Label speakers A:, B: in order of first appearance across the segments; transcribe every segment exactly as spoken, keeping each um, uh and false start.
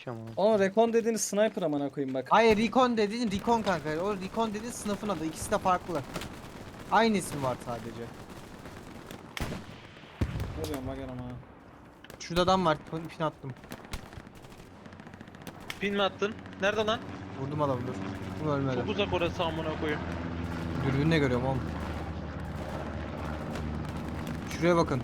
A: ki ama.
B: Ama Recon dediğiniz sniper amına koyayım bak.
C: Hayır Recon dediğin Recon kanka. O Recon dediğin sınıfın adı. İkisi de farklı. Aynı isim var sadece.
B: Ne diyorum bak ama.
C: Şurada adam var. Pin pin attım.
D: Pin mi attın? Nerede lan?
C: Vurdum adamı dur. Bu ölmedi.
D: Çok uzak orası amına koyayım.
C: Dürbünle görüyorum oğlum. Şuraya bakın.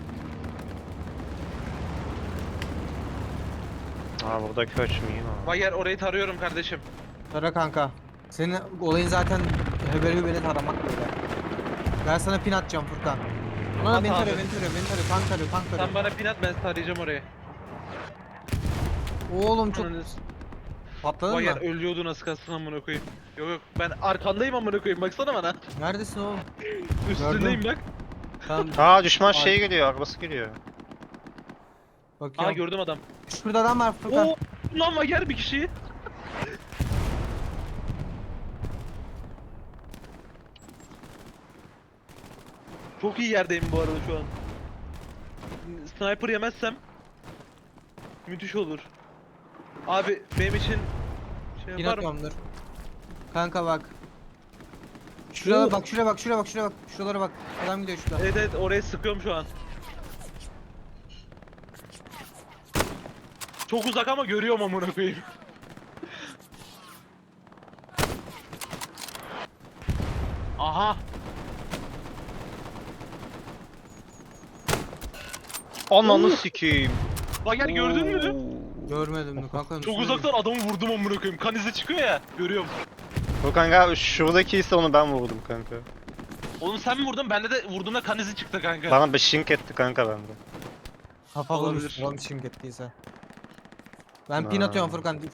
A: Aa burada köç müyüm ama.
D: Bayer orayı tarıyorum kardeşim.
C: Tara kanka. Senin olayın zaten heberi hüberi taramak böyle. Ben sana pin atacağım Furkan. Ulan
D: At
C: beni
D: abi.
C: tarıyor, beni tarıyor, beni tarıyor, tank tarıyor, tank tarıyor.
D: Sen bana pin at, ben tarayacağım orayı.
C: Oğlum çok
D: Ananı-
C: patladın
D: Bayer
C: mı?
D: ölüyordu nasıl kalsın amına koyayım. Yok yok ben arkandayım amına koyayım baksana bana.
C: Neredesin oğlum?
D: Üstündeyim bak.
C: Tamam.
A: Aa düşman
C: Ay.
A: şey geliyor, arabası geliyor.
D: Aa
C: Bakıyorum.
D: gördüm adam.
C: Şurada adam var Furkan.
D: Oo lan Bayer bir kişiyi. Çok iyi yerdeyim bu arada şu an. Sniper yemezsem müthiş olur. Abi benim için şey
C: Pin
D: var mı?
C: atıyorum dur. Kanka bak. Şuraya
D: Oo.
C: bak, şuraya bak, şuraya bak, şuraya bak. Şuralara bak. Adam gidiyor şurada.
D: Evet evet oraya sıkıyorum şu an. Çok uzak ama görüyorum amına koyayım. Aha.
A: Ananı sikeyim.
D: Bayer gördün mü?
C: Görmedim mi kanka?
D: Çok uzaktan adamı vurdum amına koyayım. Kan izi çıkıyor ya. Görüyorum.
A: Bu kanka şuradaki ise onu ben vurdum kanka.
D: Oğlum sen mi vurdun? Bende de vurduğumda kan izi çıktı kanka.
A: Bana bir şink etti kanka bende.
C: Kafa
D: Olabilir.
C: vurmuş. Ulan şimdi ettiyse. Ben pin
A: Ha.
C: atıyorum Furkan.